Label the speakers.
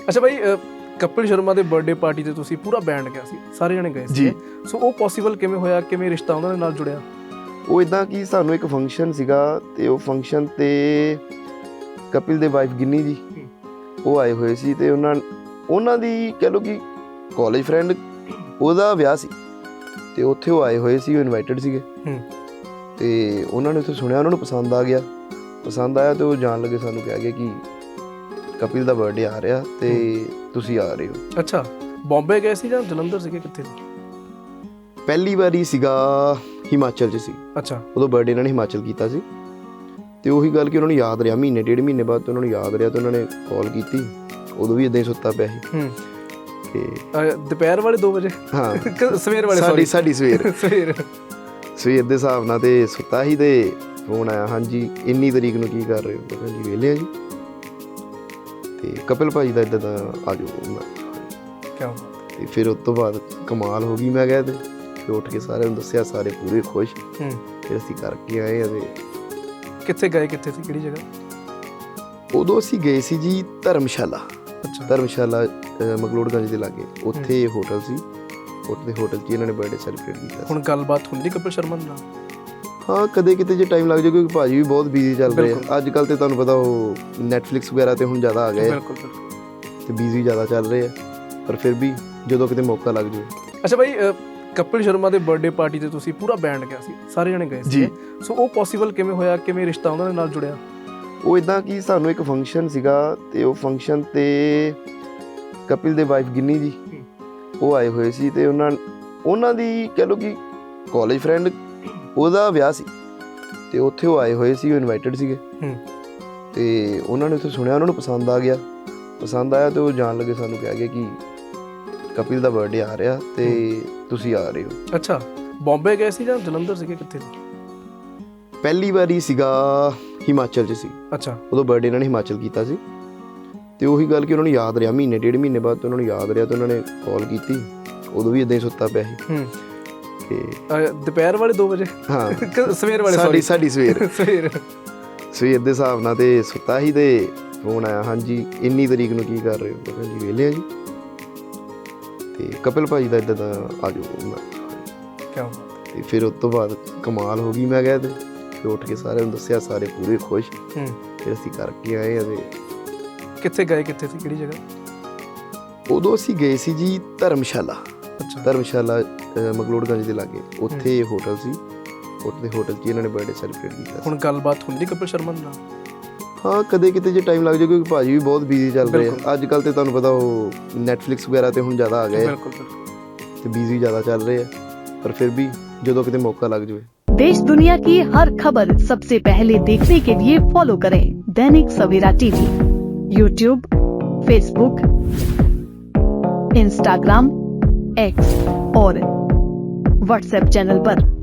Speaker 1: ਅੱਛਾ ਬਾਈ, ਕਪਿਲ ਸ਼ਰਮਾ ਦੇ birthday party ਤੇ ਤੁਸੀਂ ਪੂਰਾ ਬੈਂਡ ਗਿਆ ਸੀ, ਸਾਰੇ ਜਣੇ ਗਏ ਸੀ। ਸੋ ਉਹ ਪੋਸੀਬਲ ਕਿਵੇਂ ਹੋਇਆ, ਕਿਵੇਂ ਰਿਸ਼ਤਾ ਉਹਨਾਂ ਦੇ ਨਾਲ ਜੁੜਿਆ?
Speaker 2: ਉਹ ਇੱਦਾਂ ਕਿ ਸਾਨੂੰ ਇੱਕ ਫੰਕਸ਼ਨ ਸੀਗਾ ਤੇ ਉਹ ਫੰਕਸ਼ਨ ਤੇ ਕਪਿਲ ਦੇ ਵਾਈਫ ਗਿੰਨੀ ਜੀ ਉਹ ਆਏ ਹੋਏ ਸੀ ਤੇ ਉਹਨਾਂ ਦੀ ਕਹਿ ਲਓ ਕਿ ਕਾਲਜ ਫਰੈਂਡ ਉਹਦਾ ਵਿਆਹ ਸੀ ਤੇ ਉੱਥੇ ਉਹ ਆਏ ਹੋਏ ਸੀ, ਉਹ ਇਨਵਾਈਟਡ ਸੀਗੇ ਤੇ ਉਹਨਾਂ ਨੇ ਉੱਥੇ ਸੁਣਿਆ, ਉਹਨਾਂ ਨੂੰ ਪਸੰਦ ਆਇਆ ਤੇ ਉਹ ਜਾਣ ਲੱਗੇ ਸਾਨੂੰ ਕਹਿ ਗਏ ਕਿ ਕਪਿਲ ਦਾ ਬਰਥਡੇ ਆ ਰਿਹਾ ਤੇ ਤੁਸੀਂ ਆ ਰਹੇ ਹੋ।
Speaker 1: ਅੱਛਾ, ਬੰਬੇ ਗਏ ਸੀ ਜਾਂ ਜਲੰਧਰ ਸੀਗੇ, ਕਿੱਥੇ?
Speaker 2: ਪਹਿਲੀ ਵਾਰੀ ਸੀਗਾ ਹਿਮਾਚਲ 'ਚ ਸੀ।
Speaker 1: ਅੱਛਾ,
Speaker 2: ਉਦੋਂ ਬਰਥਡੇ ਇਹਨਾਂ ਨੇ ਹਿਮਾਚਲ ਕੀਤਾ ਸੀ ਤੇ ਉਹੀ ਗੱਲ ਕਿ ਉਹਨਾਂ ਨੂੰ ਯਾਦ ਰਿਹਾ, ਮਹੀਨੇ ਡੇਢ ਮਹੀਨੇ ਬਾਅਦ ਉਹਨਾਂ ਨੂੰ ਯਾਦ ਰਿਹਾ ਤੇ ਉਹਨਾਂ ਨੇ ਕਾਲ ਕੀਤੀ। ਉਦੋਂ ਵੀ ਇਦਾਂ ਹੀ ਸੁੱਤਾ ਪਿਆ ਸੀ ਤੇ
Speaker 1: ਦੁਪਹਿਰ ਵਾਲੇ 2 ਵਜੇ?
Speaker 2: ਹਾਂ,
Speaker 1: ਸਵੇਰ ਵਾਲੇ,
Speaker 2: ਸਾਡੀ ਸਵੇਰ
Speaker 1: ਸਵੇਰ
Speaker 2: ਦੇ ਹਿਸਾਬ ਨਾਲ ਤੇ ਸੁੱਤਾ ਸੀ ਤੇ ਫੋਨ ਆਇਆ, ਹਾਂਜੀ ਇੰਨੀ ਤਰੀਕ ਨੂੰ ਕੀ ਕਰ ਰਹੇ ਹੋ? ਮੈਂ ਕਿਹਾ ਜੀ ਵਿਹਲੇ ਆ ਜੀ। ਤੇ ਕਪਿਲ ਭਾਜੀ ਦਾ ਇੱਦਾਂ ਦਾ ਆ ਜਾਓ।
Speaker 1: ਕਿਆ
Speaker 2: ਤੇ ਫਿਰ ਉਸ ਤੋਂ ਬਾਅਦ ਕਮਾਲ ਹੋ ਗਈ। ਮੈਂ ਕਿਹਾ ਤੇ ਫਿਰ ਉੱਠ ਕੇ ਸਾਰਿਆਂ ਨੂੰ ਦੱਸਿਆ, ਸਾਰੇ ਪੂਰੇ ਖੁਸ਼। ਫਿਰ ਅਸੀਂ ਕਰਕੇ ਆਏ ਆ। ਤੇ
Speaker 1: ਕਿੱਥੇ ਗਏ, ਕਿੱਥੇ ਸੀ, ਕਿਹੜੀ ਜਗ੍ਹਾ?
Speaker 2: ਉਦੋਂ ਅਸੀਂ ਗਏ ਸੀ ਜੀ ਧਰਮਸ਼ਾਲਾ।
Speaker 1: ਅੱਛਾ,
Speaker 2: ਧਰਮਸ਼ਾਲਾ ਮਕਲੋਡਗੰਜ ਦੇ ਲਾਗੇ, ਉੱਥੇ ਹੋਟਲ ਸੀ। ਉੱਥੇ ਹੋਟਲ 'ਚ ਇਹਨਾਂ ਨੇ ਬਰਥਡੇ ਸੈਲੀਬ੍ਰੇਟ ਕੀਤਾ।
Speaker 1: ਹੁਣ ਗੱਲਬਾਤ ਹੁੰਦੀ ਕਪਿਲ ਸ਼ਰਮਾ ਨਾਲ?
Speaker 2: ਹਾਂ, ਕਦੇ ਕਿਤੇ ਜੇ ਟਾਈਮ ਲੱਗ ਜਾਏ, ਕਿਉਂਕਿ ਭਾਜੀ ਵੀ ਬਹੁਤ ਬਿਜ਼ੀ ਚੱਲ ਰਹੇ ਆ ਅੱਜ ਕੱਲ੍ਹ। ਤੇ ਤੁਹਾਨੂੰ ਪਤਾ ਉਹ ਨੈਟਫਲਿਕਸ ਵਗੈਰਾ ਤੇ ਹੁਣ ਜ਼ਿਆਦਾ ਆ ਗਏ ਤੇ ਬਿਜ਼ੀ ਜ਼ਿਆਦਾ ਚੱਲ ਰਹੇ ਆ, ਪਰ ਫਿਰ ਵੀ ਜਦੋਂ ਕਿਤੇ ਮੌਕਾ ਲੱਗ ਜਾਵੇ।
Speaker 1: ਅੱਛਾ ਬਾਈ, ਕਪਿਲ ਸ਼ਰਮਾ ਦੇ ਬਰਥਡੇ ਪਾਰਟੀ ਤੇ ਤੁਸੀਂ ਪੂਰਾ ਬੈਂਡ ਗਿਆ ਸੀ, ਸਾਰੇ ਜਣੇ ਗਏ ਸੀ। ਸੋ ਉਹ ਪੋਸੀਬਲ ਕਿਵੇਂ ਹੋਇਆ, ਕਿਵੇਂ ਰਿਸ਼ਤਾ ਉਹਨਾਂ ਦੇ ਨਾਲ ਜੁੜਿਆ?
Speaker 2: ਉਹ ਇੱਦਾਂ ਕਿ ਸਾਨੂੰ ਇੱਕ ਫੰਕਸ਼ਨ ਸੀਗਾ ਤੇ ਉਹ ਫੰਕਸ਼ਨ ਤੇ ਕਪਿਲ ਦੇ ਵਾਈਫ ਗਿੰਨੀ ਜੀ ਉਹ ਆਏ ਹੋਏ ਸੀ ਤੇ ਉਹਨਾਂ ਦੀ ਕਹਿ ਲਓ ਕਿ ਕਾਲਜ ਫਰੈਂਡ ਉਹਦਾ ਵਿਆਹ ਸੀ ਤੇ ਉੱਥੇ ਉਹ ਆਏ ਹੋਏ ਸੀ, ਉਹ ਇਨਵਾਈਟਡ ਸੀਗੇ ਤੇ ਉਹਨਾਂ ਨੇ ਉੱਥੇ ਸੁਣਿਆ, ਉਹਨਾਂ ਨੂੰ ਪਸੰਦ ਆਇਆ ਤੇ ਉਹ ਜਾਣ ਲੱਗੇ ਸਾਨੂੰ ਕਹਿ ਗਏ ਕਿ ਕਪਿਲ ਦਾ ਬਰਥਡੇ ਆ ਰਿਹਾ ਤੇ ਤੁਸੀਂ ਆ ਰਹੇ ਹੋ।
Speaker 1: ਅੱਛਾ, ਬੰਬੇ ਗਏ ਸੀ ਜਾਂ ਜਲੰਧਰ ਸੀਗੇ, ਕਿੱਥੇ?
Speaker 2: ਪਹਿਲੀ ਵਾਰੀ ਸੀਗਾ ਹਿਮਾਚਲ 'ਚ ਸੀ।
Speaker 1: ਅੱਛਾ,
Speaker 2: ਉਦੋਂ ਬਰਥਡੇ ਇਹਨਾਂ ਨੇ ਹਿਮਾਚਲ ਕੀਤਾ ਸੀ ਤੇ ਉਹੀ ਗੱਲ ਕਿ ਉਹਨਾਂ ਨੂੰ ਯਾਦ ਰਿਹਾ, ਮਹੀਨੇ ਡੇਢ ਮਹੀਨੇ ਬਾਅਦ ਉਹਨਾਂ ਨੂੰ ਯਾਦ ਰਿਹਾ ਤੇ ਉਹਨਾਂ ਨੇ ਕਾਲ ਕੀਤੀ। ਉਦੋਂ ਵੀ ਇਦਾਂ ਹੀ ਸੁੱਤਾ ਪਿਆ ਸੀ ਤੇ
Speaker 1: ਦੁਪਹਿਰ ਵਾਲੇ 2 ਵਜੇ?
Speaker 2: ਹਾਂ,
Speaker 1: ਸਵੇਰ ਵਾਲੇ,
Speaker 2: ਸਾਡੀ ਸਵੇਰ ਦੇ ਹਿਸਾਬ ਨਾਲ ਤੇ ਸੁੱਤਾ ਸੀ ਤੇ ਫੋਨ ਆਇਆ, ਹਾਂਜੀ ਇੰਨੀ ਤਰੀਕ ਨੂੰ ਕੀ ਕਰ ਰਹੇ ਹੋ? ਮੈਂ ਕਿਹਾ ਜੀ ਵਿਹਲੇ ਆ ਜੀ। ਤੇ ਕਪਿਲ ਭਾਜੀ ਦਾ ਇੱਦਾਂ ਦਾ ਆ ਜਾਓ।
Speaker 1: ਕਿਆ?
Speaker 2: ਤੇ ਫਿਰ ਉਸ ਤੋਂ ਬਾਅਦ ਕਮਾਲ ਹੋ ਗਈ। ਮੈਂ ਕਿਹਾ ਤੇ ਫਿਰ ਉੱਠ ਕੇ ਸਾਰਿਆਂ ਨੂੰ ਦੱਸਿਆ, ਸਾਰੇ ਪੂਰੇ ਖੁਸ਼। ਫਿਰ ਅਸੀਂ ਕਰਕੇ ਆਏ ਆ। ਤੇ
Speaker 1: ਕਿੱਥੇ ਗਏ, ਕਿੱਥੇ ਸੀ, ਕਿਹੜੀ ਜਗ੍ਹਾ?
Speaker 2: ਉਦੋਂ ਅਸੀਂ ਗਏ ਸੀ ਜੀ ਧਰਮਸ਼ਾਲਾ।
Speaker 1: ਅੱਛਾ,
Speaker 2: ਧਰਮਸ਼ਾਲਾ ਮਕਲੋਡਗੰਜ ਦੇ ਲਾਗੇ, ਉੱਥੇ ਹੋਟਲ ਸੀ। ਉੱਥੇ ਹੋਟਲ 'ਚ ਇਹਨਾਂ ਨੇ ਬਰਥਡੇ ਸੈਲੀਬ੍ਰੇਟ ਕੀਤਾ। ਹੁਣ
Speaker 1: ਗੱਲਬਾਤ ਹੁੰਦੀ ਕਪਿਲ ਸ਼ਰਮਾ ਨਾਲ?
Speaker 2: ਹਾਂ, ਕਦੇ ਕਿਤੇ ਜੇ ਟਾਈਮ ਲੱਗ ਜਾਏ, ਕਿਉਂਕਿ ਭਾਜੀ ਵੀ ਬਹੁਤ ਬਿਜ਼ੀ ਚੱਲ ਰਹੇ ਆ ਅੱਜ ਕੱਲ੍ਹ। ਤੇ ਤੁਹਾਨੂੰ ਪਤਾ ਉਹ ਨੈਟਫਲਿਕਸ ਵਗੈਰਾ ਤੇ ਹੁਣ ਜ਼ਿਆਦਾ ਆ ਗਏ ਤੇ ਬਿਜ਼ੀ ਜ਼ਿਆਦਾ ਚੱਲ ਰਹੇ ਆ, ਪਰ ਫਿਰ ਵੀ ਜਦੋਂ ਕਿਤੇ ਮੌਕਾ ਲੱਗ ਜਾਵੇ।
Speaker 3: देश दुनिया की हर खबर सबसे पहले देखने के लिए फॉलो करें Dainik Savera TV, YouTube, Facebook, Instagram, X और व्हाट्सएप चैनल पर।